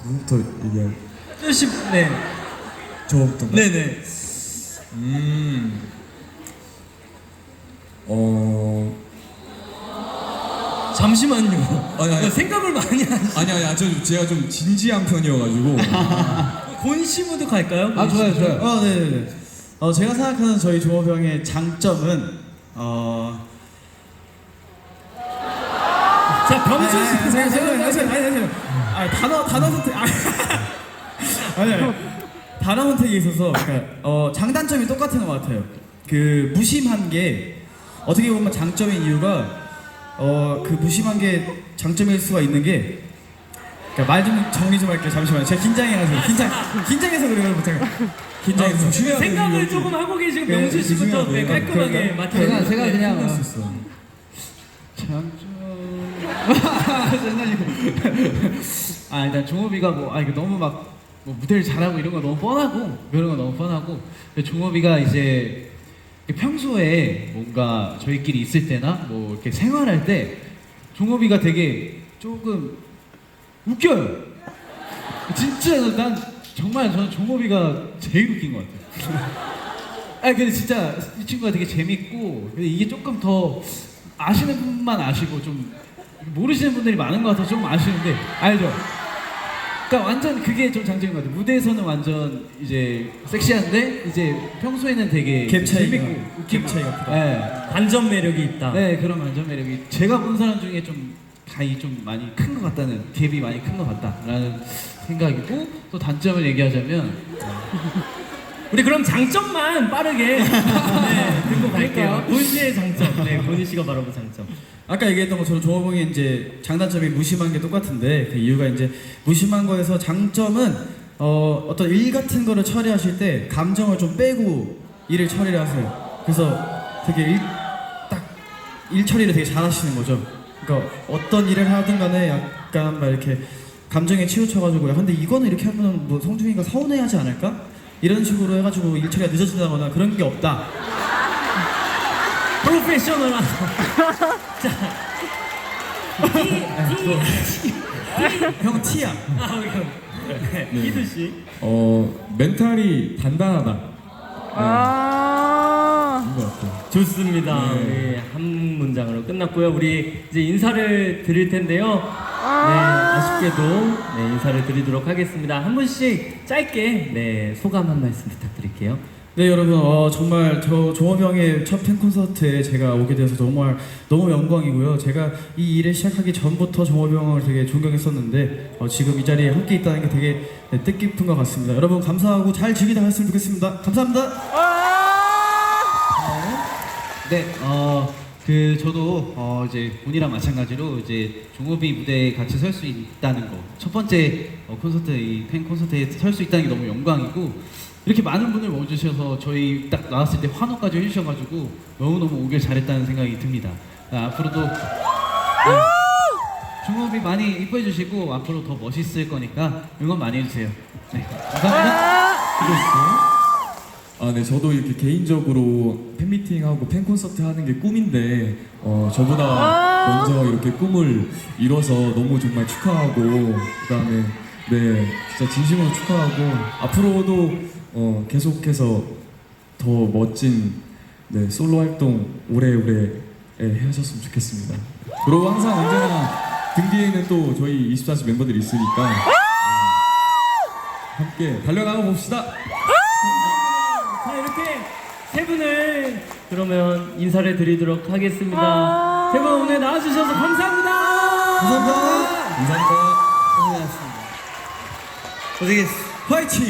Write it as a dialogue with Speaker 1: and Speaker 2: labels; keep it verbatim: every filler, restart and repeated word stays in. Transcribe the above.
Speaker 1: 누구부터 얘기할?
Speaker 2: 씨, 네.
Speaker 1: 저부터.
Speaker 2: 네네.
Speaker 1: 음. 어.
Speaker 2: 잠시만요.
Speaker 1: 아니, 아니.
Speaker 2: 생각을 많이 하시.
Speaker 1: 아니 아니 저 제가 좀 진지한 편이어가지고.
Speaker 2: 곤 씨부터 갈까요?
Speaker 3: 아 좋아요 좋아요.
Speaker 4: 어, 네네네. 어, 제가 생각하는 저희 종업형의 장점은 어.
Speaker 2: 자, 병준 씨.
Speaker 4: 아니, 아니, 아니, 아니, 아니, 아니, 아니, 단어 단어 선택. 아니, 아니, 아니. 단어 선택에 있어서 그러니까 어, 장단점이 똑같은 것 같아요. 그 무심한 게 어떻게 보면 장점인 이유가 어, 그 무심한 게 장점일 수가 있는 게. 그러니까 말 좀 정리 좀 할게요. 잠시만요. 제가 긴장해가지고 긴장 긴장해서 그래요. 제가 긴장해서.
Speaker 1: 조심해야 돼.
Speaker 2: 생각을 조금 하고 계신
Speaker 4: 네,
Speaker 2: 명준 씨부터 네,
Speaker 4: 조심해야 돼요.
Speaker 2: 깔끔하게
Speaker 4: 그럴까요?
Speaker 2: 맡아.
Speaker 3: 제가 제가 그냥
Speaker 1: 할수 있어.
Speaker 3: 장점. 장난이고. 아 일단 종업이가 뭐 아 이거 너무 막 뭐 무대를 잘하고 이런 거 너무 뻔하고 그런 거 너무 뻔하고 종업이가 이제 평소에 뭔가 저희끼리 있을 때나 뭐 이렇게 생활할 때 종업이가 되게 조금 웃겨요. 진짜 난 정말 저는 종업이가 제일 웃긴 것 같아요. 아 근데 진짜 이 친구가 되게 재밌고 근데 이게 조금 더 아시는 분만 아시고 좀 모르시는 분들이 많은 것 같아서 좀 아쉬운데 알죠? 그러니까 완전 그게 좀 장점인 것 같아요. 무대에서는 완전 이제 섹시한데 이제 평소에는 되게
Speaker 4: 갭 차이가,
Speaker 3: 재밌고 웃기고
Speaker 4: 갭 차이가 크다.
Speaker 3: 네.
Speaker 2: 반전 매력이 있다.
Speaker 3: 네 그런 완전 매력이 제가 본 사람 중에 좀 가이 좀 많이 큰 것 같다는 갭이 많이 큰 것 같다라는 생각이고 또 단점을 얘기하자면
Speaker 2: 우리 그럼 장점만 빠르게 네, 듣고 갈게요. 곤 씨의 장점. 네, 곤 씨가 바로 그 장점.
Speaker 4: 아까 얘기했던 것처럼 종업형이 이제 장단점이 무심한 게 똑같은데 그 이유가 이제 무심한 거에서 장점은 어, 어떤 일 같은 거를 처리하실 때 감정을 좀 빼고 일을 처리를 하세요. 그래서 되게 일, 딱 일 처리를 되게 잘하시는 거죠. 그러니까 어떤 일을 하든 간에 약간 막 이렇게 감정에 치우쳐가지고 야 근데 이거는 이렇게 하면 뭐 성준이가 서운해하지 않을까? 이런 식으로 해가지고 일 처리가 늦어진다거나 그런 게 없다.
Speaker 2: 프로페셔널한. 자,
Speaker 4: 형 T야.
Speaker 2: 아, 그럼. 네, 희두 씨.
Speaker 1: 어 멘탈이 단단하다.
Speaker 5: 아.
Speaker 1: 그런 것 같아요.
Speaker 2: 좋습니다.
Speaker 1: 네.
Speaker 2: 네, 한 문장으로 끝났고요. 우리 이제 인사를 드릴 텐데요. 네, 아쉽게도 네, 인사를 드리도록 하겠습니다. 한 분씩 짧게 네, 소감 한 말씀 부탁드릴게요.
Speaker 4: 네 여러분 어, 정말 저 종업형의 첫 팬 콘서트에 제가 오게 돼서 정말 너무 영광이고요. 제가 이 일을 시작하기 전부터 종업형을 되게 존경했었는데 어, 지금 이 자리에 함께 있다는 게 되게 네, 뜻깊은 것 같습니다. 여러분 감사하고 잘 즐기다 갔으면 좋겠습니다. 감사합니다.
Speaker 3: 네, 어, 그 저도 어, 이제 본이랑 마찬가지로 이제 종업이 무대에 같이 설 수 있다는 거, 첫 번째 어, 콘서트 이 팬 콘서트에 설 수 있다는 게 너무 영광이고 이렇게 많은 분을 모여주셔서 저희 딱 나왔을 때 환호까지 해주셔가지고 너무 너무 오길 잘했다는 생각이 듭니다. 아, 앞으로도 네, 종업이 많이 이뻐해 주시고 앞으로 더 멋있을 거니까 응원 많이 해주세요. 네, 감사합니다.
Speaker 1: 아, 네, 저도 이렇게 개인적으로 팬미팅하고 팬콘서트 하는 게 꿈인데, 어, 저보다 먼저 이렇게 꿈을 이뤄서 너무 정말 축하하고, 그 다음에, 네, 진짜 진심으로 축하하고, 앞으로도 어, 계속해서 더 멋진 네, 솔로 활동 오래오래 예, 하셨으면 좋겠습니다. 그리고 항상 언제나 등 뒤에는 또 저희 이십사 시 멤버들이 있으니까, 어, 함께 달려나가 봅시다!
Speaker 2: 자, 이렇게 세 분을 그러면 인사를 드리도록 하겠습니다. 세 분 오늘 나와주셔서 감사합니다.
Speaker 4: 감사합니다.
Speaker 1: 감사합니다.
Speaker 4: 고생하셨습니다. 고생했어. 화이팅!